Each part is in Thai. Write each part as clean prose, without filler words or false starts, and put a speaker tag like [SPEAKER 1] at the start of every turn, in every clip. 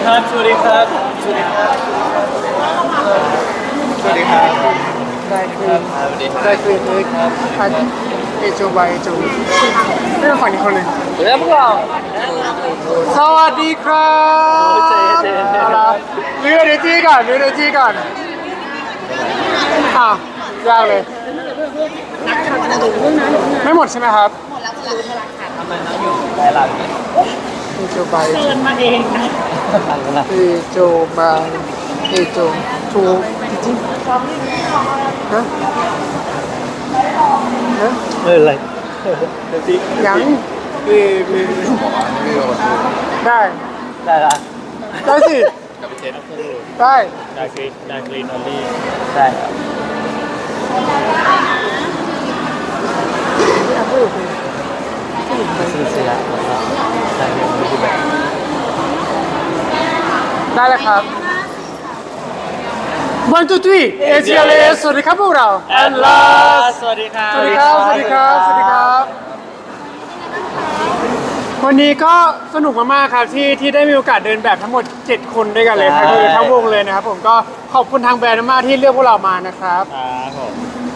[SPEAKER 1] ครับสวัสดีครับสวัสดีครับสวัสดีครับได้คือได้คือเอโจบายโจไม่ต้องฝั่งนี้คนเลย
[SPEAKER 2] แล้วพวกเรา
[SPEAKER 1] สวัสดีครับเรือเดจี้ก่อนเรือเดจี้ก่อนยากเลยไม่หมดใช่ไหมครับ
[SPEAKER 2] ทำไมน้องอยู่หลายหลังเนี่ย
[SPEAKER 1] เอโจบาย
[SPEAKER 3] เชิญมาเองนะ
[SPEAKER 1] เอโจบายเอโจทูจริงฮะฮะ
[SPEAKER 2] ไม่เป็นไร
[SPEAKER 1] ยังได้
[SPEAKER 2] ได้ละ
[SPEAKER 1] ได้สิได้
[SPEAKER 2] ได้คลีนออลลี่ได้ครับซื้อเสียได้เงินไม่ได้แบบ
[SPEAKER 1] ได้เลยครับ 1 2 3 ACLS สวัสดีครับพวกเรา
[SPEAKER 2] and l a สวัสดีครับ
[SPEAKER 1] สวัสดีครับ สวัสดีครับ สวัสดีครับ วันนี้ก็สนุกมากๆครับที่ได้มีโอกาสเดินแบบทั้งหมด 7 คนด้วยกันเลยครับคือทั้งวงเลยนะครับผมก็ขอบคุณทางแบรนด์มากที่เลือกพวกเรามานะครับ
[SPEAKER 2] ครับผม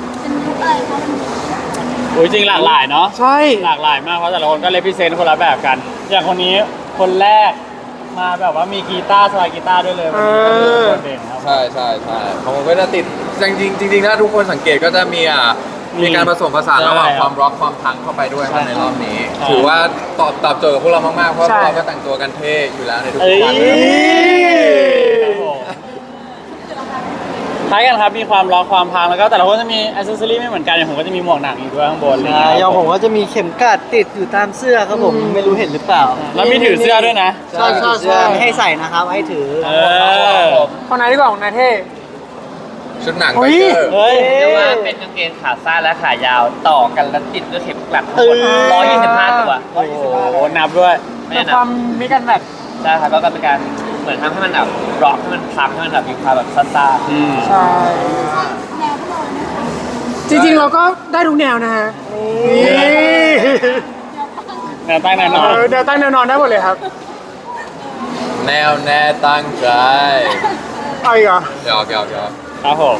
[SPEAKER 2] โอ้ยจริงหลากหลายเนาะ
[SPEAKER 1] ใช่
[SPEAKER 2] หลากหลายมากเพราะแต่ละคนก็เลพิเซนต์คนละแบบกัน อย่างคนนี้คนแรกมาแบบว่ามีกีตาร์สไลด์กีตาร์ด้วยเลยวันนี้ก็คือโดดเด่นครับ
[SPEAKER 4] ใช่ของผมก็จะติดจริงถ้าทุกคนสังเกตก็จะมีการผสมผสานระหว่างความร็อกความพังเข้าไปด้วยครับในรอบนี้ ถือว่าตอบโจทย์กับพวกเรามากๆเพราะพวกเราก็แต่งตัวกันเท่อยู่แล้วในทุกวัน
[SPEAKER 2] ครับผมคล้ายกันครับมีความล็อกความพังแล้วก็แต่ละคนจะมีอิสเซอรี่ไม่เหมือนกันอย่างผมก็จะมีหมวกหนังอยู่ด้วยข้างบนอะไร
[SPEAKER 3] อย่างผมก็จะมีเข็มกลัดติดอยู่ตามเสื้อครับผมไม่รู้เห็นหรือเปล่า
[SPEAKER 2] แล้วมีถือเสื้อด้วยนะ
[SPEAKER 1] ใช่
[SPEAKER 3] ไม่ให้ใส่นะครับให้ถือ
[SPEAKER 1] คนไหนดีกว่าของนายเท่
[SPEAKER 4] ชุดหนัง
[SPEAKER 1] อุ๊
[SPEAKER 4] ไบ
[SPEAKER 1] ย
[SPEAKER 4] เกอร์
[SPEAKER 2] เฮ้ย
[SPEAKER 5] เรียกว่าเป็นกางเกงขาสั้นและขายาวต่อกันแล้วติดด้วยเข็มกลัดทั้งหมด125 ตัว
[SPEAKER 2] โอ้โหนับด้วย
[SPEAKER 5] ไม่
[SPEAKER 1] แต่
[SPEAKER 5] ได้
[SPEAKER 1] ค
[SPEAKER 5] นั
[SPEAKER 1] วา
[SPEAKER 5] บ
[SPEAKER 1] มมีกันแบบ
[SPEAKER 5] ใช่ครับก็เป็นการเหมือนทำให้มันแบบร็อกให้มันพังให้มันแบบมีความแบบซ่า
[SPEAKER 1] ใช่ จริงๆเราก็ได้ทุกแนวนะฮะนี่
[SPEAKER 2] แนวตั้งแนวนอน
[SPEAKER 1] เดี๋ยวตั้งแนวนอนได้หมดเลยครับ
[SPEAKER 4] แนวแน่ตั้งใจ
[SPEAKER 1] เอาอีกเหรอ
[SPEAKER 4] หยอก
[SPEAKER 2] ครับผม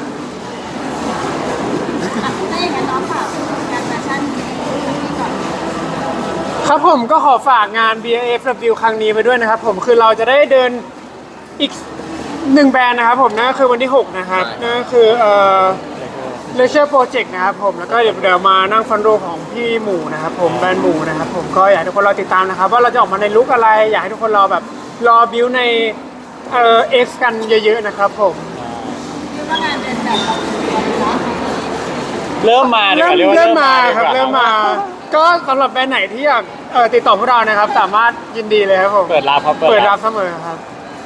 [SPEAKER 6] ถ้าอย่างนั้นน้องฝากงานแฟชั่นนี้ก่อน
[SPEAKER 1] ครับผมก็ขอฝากงาน BFW ครั้งนี้ไปด้วยนะครับผมคือเราจะได้เดินอีก1แบรนด์นะครับผมนั่นก็คือวันที่ 6 นะครับนั่นก็คือLeisure Project นะครับผมแล้วก็เดี๋ยวมานั่งฟันโรของพี่หมูนะครับผมแบรนด์หมูนะครับผมก็อยากให้ทุกคนรอติดตามนะครับว่าเราจะออกมาในลุคอะไรอยากให้ทุกคนรอแบบรอบิวในX กันเยอะๆนะครับผม
[SPEAKER 6] คือว่างานเดินแบบเราเนาะ
[SPEAKER 2] เริ่มมาดีกว่าเรียกว่า
[SPEAKER 1] เริ่มมาครับ
[SPEAKER 2] ดีกว่
[SPEAKER 1] เริ่มมาก็สำหรับแบรนด์ไหนที่อยากติดต่อพวกเรานะครับสามารถยินดีเลยครับผม
[SPEAKER 2] เปิดรับครับ
[SPEAKER 1] เปิดรับเสมอครับ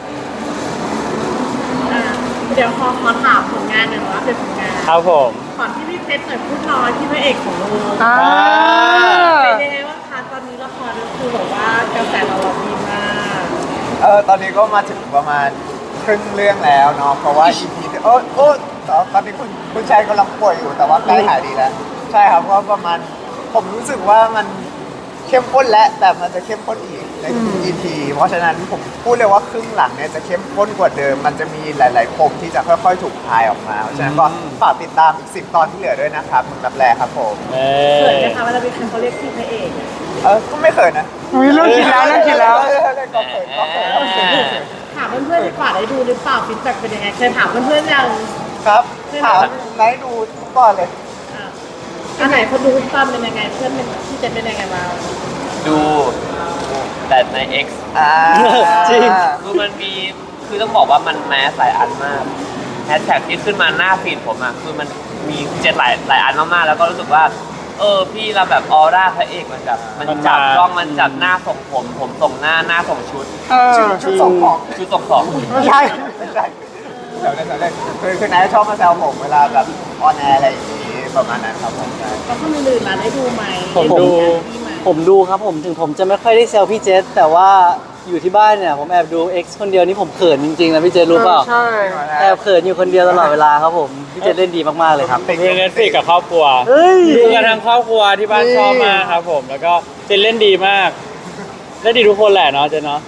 [SPEAKER 3] เดี๋ยวขอถามผลงานหน่อยว่าเป็นผลงาน
[SPEAKER 2] ครับผม
[SPEAKER 3] ก่อนที่พี่เพชรเปิดพูดน้อยที่พระเอกของเรา
[SPEAKER 1] อ่า
[SPEAKER 3] เป็นยังไงบ้างคะตอนนี้ละครก็คือแบบว่ากระแสตอบรับดีมาก
[SPEAKER 7] ตอนนี้ก็มาถึงประมาณครึ่งเรื่องแล้วเนาะเพราะว่า EP ที่ตอนนี้คุณชายกำลังป่วยอยู่แต่ว่าใกล้หายดีแล้ว ใช่ครับเพราะประมาณผมรู้สึกว่ามันเข้มข้นและแต่มันจะเข้มข้นอีกในทุก EP เพราะฉะนั้นผมพูดเลยว่าครึ่งหลังเนี่ยจะเข้มข้นกว่าเดิม มันจะมีหลายๆปมที่จะค่อยๆถูกคลายออกมาเพราะฉะนั้นก็ฝากติดตามอีก10 ตอนที่เหลือด้วยนะครับมึงรับแรครับผม
[SPEAKER 3] เขินไหมคะเวลามีคนเขาเรียกพี่พระเอก
[SPEAKER 7] ก็ไม่เขินนะ
[SPEAKER 1] อุ๊ยเริ่มคิดแล้วเริ่มคิดแล้ว
[SPEAKER 7] ก็เขิน
[SPEAKER 3] ถามเพื่อนๆดีกว่าได้ดูหรือเปล่าฟีดแบ็กเป็นยังไงเคยถามเพื่อนๆยัง
[SPEAKER 7] ครับถามไหนดูก่อนเลย
[SPEAKER 3] อันไหนคนดูตอนเป็นยังไงเพื่อนเป็นพี่เจนเป็นยังไงบ้าง
[SPEAKER 5] ๆดูแต่ใน X
[SPEAKER 2] จริง
[SPEAKER 5] คือมันมีคือต้องบอกว่ามันแมสหลายอันมากแฮชแท็กที่ขึ้นมาหน้าฟีดผมอะคือมันมี7หลายอันมากๆแล้วก็รู้สึกว่าพี่เราแบบออร่าพระเอกมันแบบมันจับกล้องมันจับหน้าส่งผมส่งหน้าส่งชุด
[SPEAKER 7] ชุดส่งของ
[SPEAKER 5] ชุดส่งของ
[SPEAKER 1] ไม่ใช่
[SPEAKER 7] ไม่ใช่แซวเล่นคือนายชอบมาแซวผมเวลาแบบออนแอร์อะไรอย่างนี้ประมาณนั้นครับผมใช่
[SPEAKER 3] แล้วคนอื่นๆล่ะได้ดูไหม
[SPEAKER 2] ผมดู
[SPEAKER 8] ผมดูครับผมถึงผมจะไม่ค่อยได้เซลพี่เจษแต่ว่าอยู่ที่บ้านเนี่ยผมแอบดู X คนเดียวนี่ผมเขินจริงๆนะพี่เจษรู้เปล่า
[SPEAKER 1] ใช่
[SPEAKER 8] แอบเขินอยู่คนเดียวตลอดเวลาครับผมพี่เจษเล่นดีมากๆเลยครับ
[SPEAKER 2] ผมดูเน็ตฟลิกกับครอบครัว
[SPEAKER 8] เฮ้ย
[SPEAKER 2] ดูกันทั้งครอบครัวที่บ้านชอบมากครับผม แล้วก็เจนเล่นดีมากเล่นดีทุกคนแหละเนาะเจนเนาะ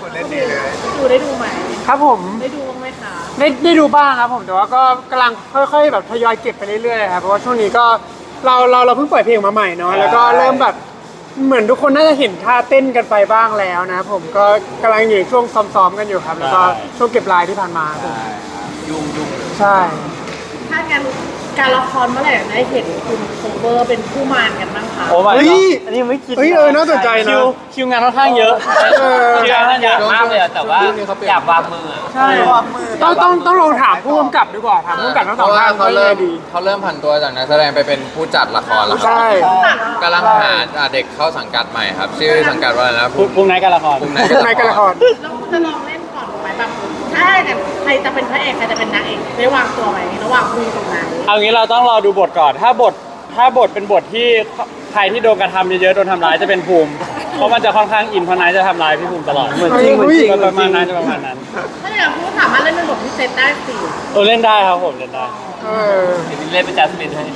[SPEAKER 7] คุณเล่นดีเลย
[SPEAKER 3] ได้ดูไหม
[SPEAKER 1] ครับผม
[SPEAKER 3] ได้ดูบ้างไหมคะ
[SPEAKER 1] ได้ดูบ้างครับผมแต่ว่าก็กำลังค่อยๆแบบทยอยเก็บไปเรื่อยๆครับเพราะว่าช่วงนี้ก็เราเพิ่งปล่อยเพลงมาใหม่เนาะแล้วก็เริ่มแบบเหมือนทุกคนน่าจะเห็นท่าเต้นกันไปบ้างแล้วนะครับผมก็กำลังอยู่ในช่วงซ้อมๆกันอยู่ครับแล้วก็ช่วงเก็บลายที่ผ่านมาครับผม
[SPEAKER 5] ยุ่ง
[SPEAKER 1] ใช่
[SPEAKER 3] ถ้างั้นการละครเมื่อไหร่ได้เห็นคุณโคเวอร์เป็นผู้มารกันบ้างคะ
[SPEAKER 2] โอ้ my
[SPEAKER 1] เฮ้ย
[SPEAKER 2] god
[SPEAKER 8] อันนี้ไม่คิด
[SPEAKER 1] เฮ้ยน่าสนใจนะ
[SPEAKER 2] คิวงานค่อนข้างเยอะ
[SPEAKER 5] ๆอยากมากเลยอะแต่ว่าอยากวางมืออะ
[SPEAKER 1] ใช่ต้องลองถามผู้กำกับดีกว่าถามผู้กำกับทั้ง
[SPEAKER 4] เพ
[SPEAKER 1] สอง
[SPEAKER 4] ราะว่า
[SPEAKER 1] ท่าน
[SPEAKER 4] เขาเริ่ม
[SPEAKER 1] ดี
[SPEAKER 4] ผันตัวจากนักแสดงไปเป็นผู้จัดละครแล้ว
[SPEAKER 1] ใช่
[SPEAKER 4] กำลังหาเด็กเข้าสังกัดใหม่ครับ ชื่อสังกัดว่าอะไรนะ
[SPEAKER 2] พรุ่งนี้การละคร
[SPEAKER 4] ภูมิ
[SPEAKER 1] ในการละคร
[SPEAKER 3] แล้วคุณจะลองเล่นก่อนไหมแบบถ้าเนี่ยใครจะเป็นพระเอกใครจะเป็นนางเอกได้วางตัวไหมระหว่างคุยตรงไหน
[SPEAKER 2] เอางี้เราต้องรอดูบทก่อน ถ้าบทเป็นบทที่ใครที่โดนกระทำเยอะๆโดนทำร้ายจะเป็นภูมิ เพราะมันจะค่อนข้างอินเพราะนายจะทำร้ายพี่ภูมิตลอด
[SPEAKER 8] เหมือนจริงเหมือนจริง
[SPEAKER 2] ก็
[SPEAKER 8] เหมื
[SPEAKER 2] ป
[SPEAKER 8] อน
[SPEAKER 2] ระ
[SPEAKER 8] จ
[SPEAKER 2] มา
[SPEAKER 8] ริ
[SPEAKER 2] ณ
[SPEAKER 8] ง
[SPEAKER 2] นั้นจะประมาณนั้น
[SPEAKER 3] ถ้าอย่างพูดสามารถเล่นเป็นบทพิเศษได้สิ
[SPEAKER 2] เล่นได้ครับผมเล่นได้
[SPEAKER 1] เออ
[SPEAKER 5] เดี๋ยวเล่นเป็นจัสมินให้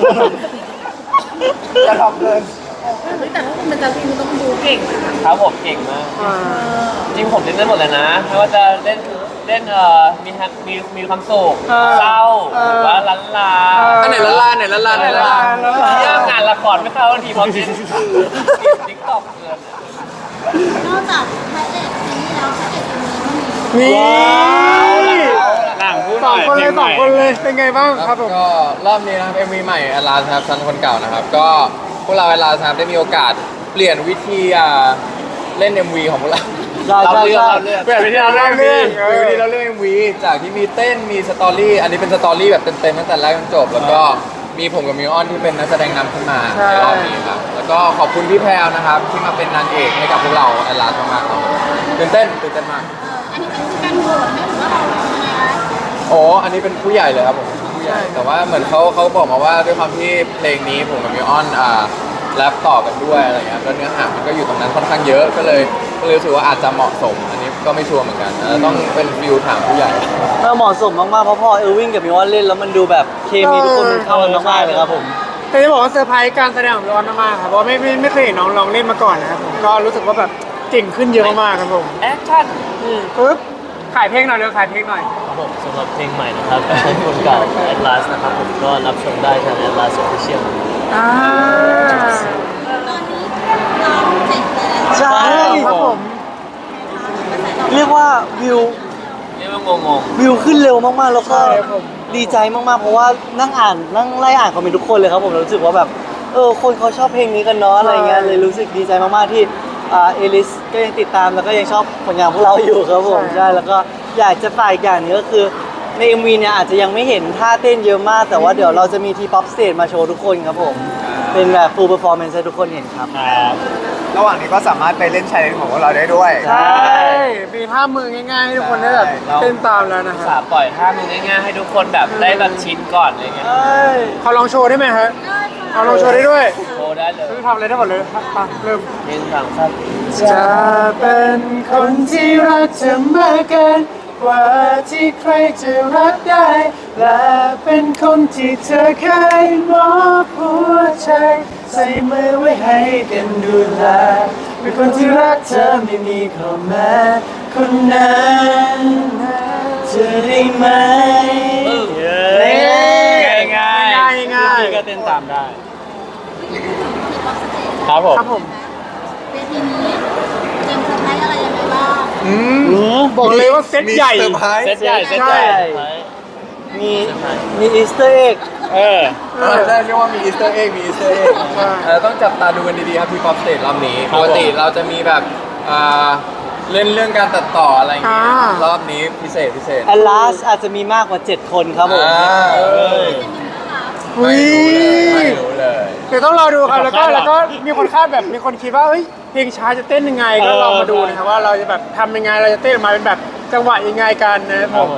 [SPEAKER 7] จะทำเกิน
[SPEAKER 3] เฮ้ยแต่ถ้าคุณเป็นจัสมินคุณต้องดูเก่งนะคะ
[SPEAKER 5] ครับผมเก่งมาก จริงผมเล่นได้หมดเลยนะไม่ว่าจะเล่นมีความสุขเศร้าหรือว่าลันลา
[SPEAKER 4] อันไหนละล่าไหนละล่าไหนละล่า
[SPEAKER 5] เรื่องงานละครไม่เข้าทันทีพอกินติ๊กต็อกเกิน
[SPEAKER 6] นอกจากพระเอกซีรีส์แล้วพระเอกเอ็มวีก็มี
[SPEAKER 1] นี่
[SPEAKER 2] หลังพูดห
[SPEAKER 1] ส
[SPEAKER 2] น่
[SPEAKER 1] อง
[SPEAKER 2] อย
[SPEAKER 1] คนเลย
[SPEAKER 2] พ
[SPEAKER 1] ส
[SPEAKER 2] ล
[SPEAKER 1] อง
[SPEAKER 2] ใหม่
[SPEAKER 1] คนเลยเป็นไงบ้างครับผม
[SPEAKER 4] ก็รอบนี้นะครับ MV ใหม่อลาครับซันคนเก่านะครับ ก็พวกเราอลาครับได้มีโอกาสเปลี่ยนวิธีเล่น MV ของพวกเรา
[SPEAKER 8] ใช่ใช่ใช่
[SPEAKER 4] เปลี่ยนวิธีเราเล่น MV วิธีเราเล่น MV จากที่มีเต้นมีสตอรี่อันนี้เป็นสตอรี่แบบเต็มๆตั้งแต่แรกจนจบ แล้วก็มีผมกับมิวออนที่เป็นนักแสดงนำขึ้นมาในรอบนี้ครับแล้วก็ขอบคุณพี่แพรวนะครับที่มาเป็นนางเอกให้กับพวกเราอลามากๆครับตื่นเต้นมาก
[SPEAKER 6] อันนี้เป็นการโหวตไหมหรือว่าเรายังไงคะ
[SPEAKER 4] โอ้อันนี้เป็นผู้ใหญ่เลยครับผมผู้ใหญ่แต่ว่าเหมือนเขาบอกมาว่าด้วยความที่เพลงนี้ผมกับมิวออนแรปต่อกันด้วยอะไรเงี้ยแล้วเนื้อหามันก็อยู่ตรงนั้นค่อนข้างเยอะก็เลยรู้สึกว่าอาจจะเหมาะสม อันนี้ก็ไม่ชัวร์เหมือนกันต้องเป็นฟิลถามผู้ใหญ่
[SPEAKER 8] เหมาะสมมากๆเพราะพอเอลวินกับมิวอนเล่นแล้วมันดูแบบเคมีทุกคนมันเข้ากันมากๆเลยครับผม
[SPEAKER 1] แต่จะบอกว่าเซอร์ไพรส์การแสดงของร้อนมากๆครับเพราะว่าไม่เคยเห็นน้องลองเล่นมาก่อนนะครับผมก็รู้สึกว่าแบบเก่งขึ้นเยอะมากๆครับผม
[SPEAKER 5] แอคชั่น
[SPEAKER 1] ปึ๊บขายเพลงหน่อยเร็วขายเพลงหน่อย
[SPEAKER 9] ครับผมสำหรับเพลงใหม่นะครับใช้คนเก่า Atlas นะครับผมก็รับชมได้ทาง Atlas Official
[SPEAKER 1] อ่า
[SPEAKER 6] ตอนนี้ร้องเสร็จแล้ว
[SPEAKER 8] ใช่
[SPEAKER 1] ครับผม
[SPEAKER 8] เรียกว่าวิว
[SPEAKER 5] เรียกว่างง
[SPEAKER 8] วิวขึ้นเร็วมากๆแล้วก็ดีใจมากๆเพราะว่านั่งไล่อ่านคอมเมนต์ทุกคนเลยครับผมรู้สึกว่าแบบคนเขาชอบเพลงนี้กันเนาะอะไรเงี้ยเลยรู้สึกดีใจมากๆที่เอลิสก็ยังติดตามแล้วก็ยังชอบผลงานพวกเราอยู่ครับผมใช่แล้วก็อยากจะฝากอีกอย่างหนึงก็คือใน MV เนี่ยอาจจะยังไม่เห็นท่าเต้นเยอะมาก แต่ว่าเดี๋ยวเราจะมีทีป๊อปสเตจมาโชว์ทุกคนครับผมเป็นแบบ full performance ให้ทุกคนเห็นครับ
[SPEAKER 7] ระหว่างนี้ก็สามารถไปเล่นชาเลนจ์ของพวกเราได้ด้วย
[SPEAKER 1] ใช่มีท่ามือง่ายๆให้ทุกคนได้แบบเต้นตามแล้วนะค
[SPEAKER 5] สา
[SPEAKER 1] รับ
[SPEAKER 5] ปล่อยท่ามือง่ายๆให้ทุกคนแบบได้แบบชินก่อนอะไรเงี้ย
[SPEAKER 1] เขาลองโชว์ได้ไหมฮะเขาลองโชว์ได้ด้วย
[SPEAKER 5] โชว์ได้เลย
[SPEAKER 1] ทำอะไรได้หมดเลยครับมาเริ่ม
[SPEAKER 5] เล่นต่างครับ
[SPEAKER 1] จะเป็นคนที่รักเธอมากเกินกว่าที่ใครจะรักได้ และเป็นคนที่เธอเคยมอบหัวใจใส่มือไว้ให้กันดูแลเป็นคนที่รักเธอไม่มีข้อแม้คนนั้นจะได้ไหม
[SPEAKER 2] ง่ายๆ
[SPEAKER 1] ง่ายๆ
[SPEAKER 2] พี่ก็เต้นตามได้ ครับผม
[SPEAKER 1] ครับผม
[SPEAKER 6] เวทีนี้เตรียมเซอร์ไพรส์อะไรยังไงบ้าง
[SPEAKER 1] บอกเลยว่าเซตใหญ่
[SPEAKER 4] มีเซอร์ไพรส์
[SPEAKER 2] เซตใหญ่เซต
[SPEAKER 1] ใช่
[SPEAKER 2] ใหญ่
[SPEAKER 8] มีอีสเตอร์เอ็ก
[SPEAKER 2] เออ
[SPEAKER 4] ใช่เรียกว่ามีอีสเตอร์เอ็กมีอีสเตอร์เอ็กต้องจับตาดูกันดีๆครับพี่ป๊อปสเตจรอบนี้
[SPEAKER 2] ครั
[SPEAKER 4] ป
[SPEAKER 2] บผม
[SPEAKER 4] กติเราจะมีแบบเล่นเรื่องการตัดต่ออะไรอย่างงี้
[SPEAKER 1] อ่าร
[SPEAKER 4] อบนี้พิเศษ
[SPEAKER 8] แอลลาสอาจจะมีมากกว่า 7 คนครับผม
[SPEAKER 1] อุ้ย
[SPEAKER 4] ไม่รู้เลย
[SPEAKER 1] เดี๋ยวต้องรอดูครับแล้วก็มีคนคาดแบบมีคนคิดว่าเฮ้ยเพลงช้าจะเต้นยังไงก็ลองมาดูนะครับว่าเราจะแบบทำยังไงเราจะเต้นออกมาเป็นแบบจังหวะยังไงกันนะครับผม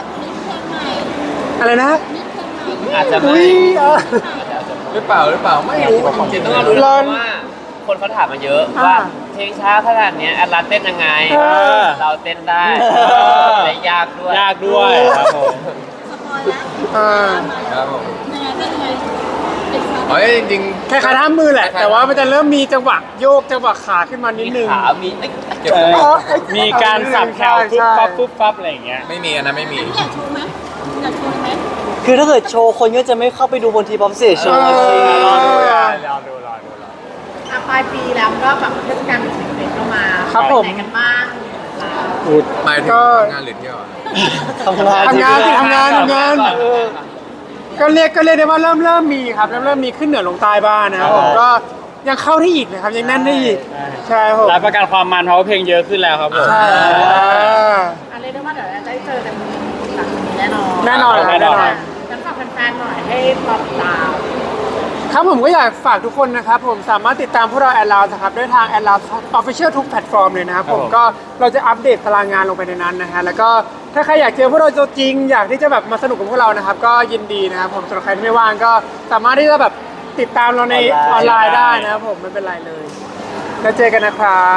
[SPEAKER 6] อาจจะแบบมิกเพลงใหม่
[SPEAKER 1] อะไรนะ
[SPEAKER 6] มิกเพลงใหม่
[SPEAKER 5] อาจจะ
[SPEAKER 1] อุ้
[SPEAKER 5] ไม่
[SPEAKER 1] ย
[SPEAKER 4] หรือเปล่าไม่รู้จริงๆ
[SPEAKER 5] ต้
[SPEAKER 4] ต้
[SPEAKER 5] อ
[SPEAKER 4] อง ง
[SPEAKER 5] มา
[SPEAKER 4] มา
[SPEAKER 5] ดู
[SPEAKER 4] ดู
[SPEAKER 5] นะ
[SPEAKER 1] รอน
[SPEAKER 5] ว่าคนเขาถามมาเยอะ
[SPEAKER 1] อ่า
[SPEAKER 5] ว่าเพลงช้าขนาดเนี้ยแอดลาสเต้นยังไง เราเต้นได้
[SPEAKER 2] เออ
[SPEAKER 5] และยากด้วย
[SPEAKER 2] ยากด้วยครับผม
[SPEAKER 6] สปอยล์แล้ว
[SPEAKER 1] อ่า
[SPEAKER 4] ครับผม
[SPEAKER 6] ยังไงเป็นยังไงเป็นส
[SPEAKER 4] อ๋อจริง
[SPEAKER 1] คล้ายๆท่ามือแหละ แต่ว่ามันจะเริ่มมีจังหวะโยกจังหวะขาขึ้นมานิดนึง
[SPEAKER 5] ขามีเอ้ย
[SPEAKER 4] เก็บ
[SPEAKER 2] มีการสับแถวปุ๊บปั๊บปุ๊บปั๊บอะไรอย่างเงี้ย
[SPEAKER 4] ไม่มีอันนั้นไม่มี
[SPEAKER 6] อยากโชว์ไหมอยากโชว์ไหม
[SPEAKER 8] คือถ้าเกิดโชว์คนก็จะไม่เข้าไปดูบนทีป๊อปสเตจโชว์
[SPEAKER 1] เออ
[SPEAKER 2] รอดูรอดู
[SPEAKER 3] ปลายปีแล้วก็แบบเทศกาลเป็นสิ่งเด็กเข้ามา
[SPEAKER 1] ครับผม
[SPEAKER 3] ไปไหนกันบ้าง
[SPEAKER 4] หมายถึง
[SPEAKER 1] ก็
[SPEAKER 4] ทำงานหรือเที่ยวอะ
[SPEAKER 8] ทำงาน
[SPEAKER 1] ทำงานสิทำงานก็เรียกได้ว่าเริ่มมีครับเริ่มมีขึ้นเหนือลงใต้บ้างนะครับผมก็ยังเข้าได้อีกนะครับยังแน่นได้อีกใช่ครับผม
[SPEAKER 2] รับประกันความมันเพราะว่าเพลงเยอะขึ้นแล้วครับผม
[SPEAKER 1] ใช่
[SPEAKER 3] อันเรียกได้ว่าเดี๋ยวได้เจอกันหลังนี้แน่นอน
[SPEAKER 1] แน่นอนครับแน่นอน
[SPEAKER 3] งั้นฝากแฟนๆหน่อยให้รอติดตาม
[SPEAKER 1] ครับผมก็อยากฝากทุกคนนะครับผมสามารถติดตามพวกเราแอดลาวนะครับด้วยทางแอดลาวออฟฟิเชียลทุกแพลตฟอร์มเลยนะครับผมก็เราจะอัปเดตตารางงานลงไปในนั้นนะฮะแล้วก็ถ้าใครอยากเจอพวกเราตัวจริงอยากที่จะแบบมาสนุกกับพวกเรานะครับก็ยินดีนะครับผมสำหรับใครที่ไม่ว่างก็สามารถที่จะแบบติดตามเราในออนไลน์ได้นะครับผมไม่เป็นไรเลยแล้วเจอกันนะครับ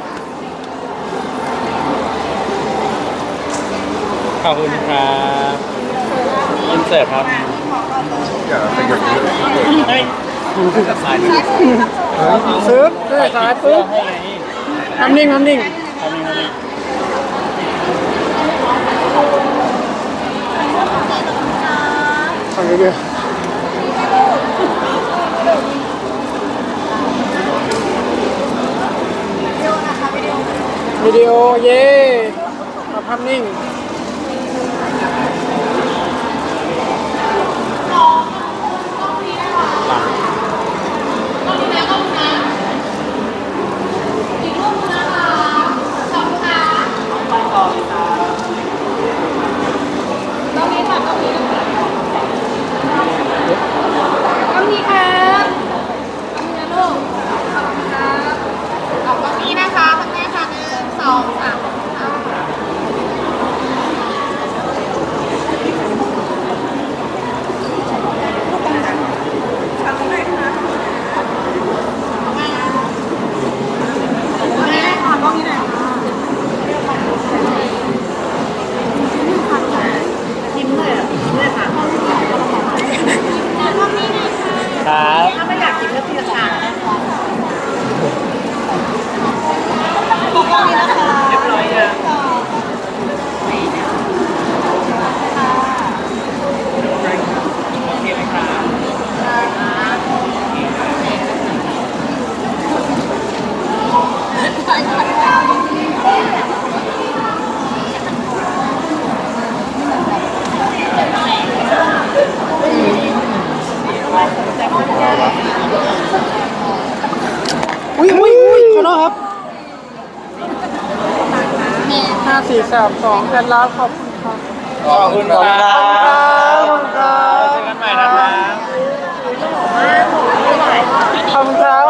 [SPEAKER 2] ขอบคุณครับอินเสิร์ตครับ
[SPEAKER 4] อย่าไปหยุด
[SPEAKER 1] ซึบด้วยซ้ายปึ๊บทำนิ่งขอเยอะวิดีโอเย่มาภาพนิ่ง
[SPEAKER 3] ยิ้มเลยอ่ะยิ้มเลยค่ะ
[SPEAKER 2] ครับ
[SPEAKER 3] ถ้าไม่อยากกินก็ตีราคา
[SPEAKER 5] เรียบร้อยยัง
[SPEAKER 1] อุ้ยขอโทษครับ5 4 3 2แอดลาวขอบคุณครับ
[SPEAKER 4] ขอบคุณครับ
[SPEAKER 1] ขอบคุณครับ
[SPEAKER 2] เจอกันใหม่นะครับ
[SPEAKER 1] ขอบคุณครับ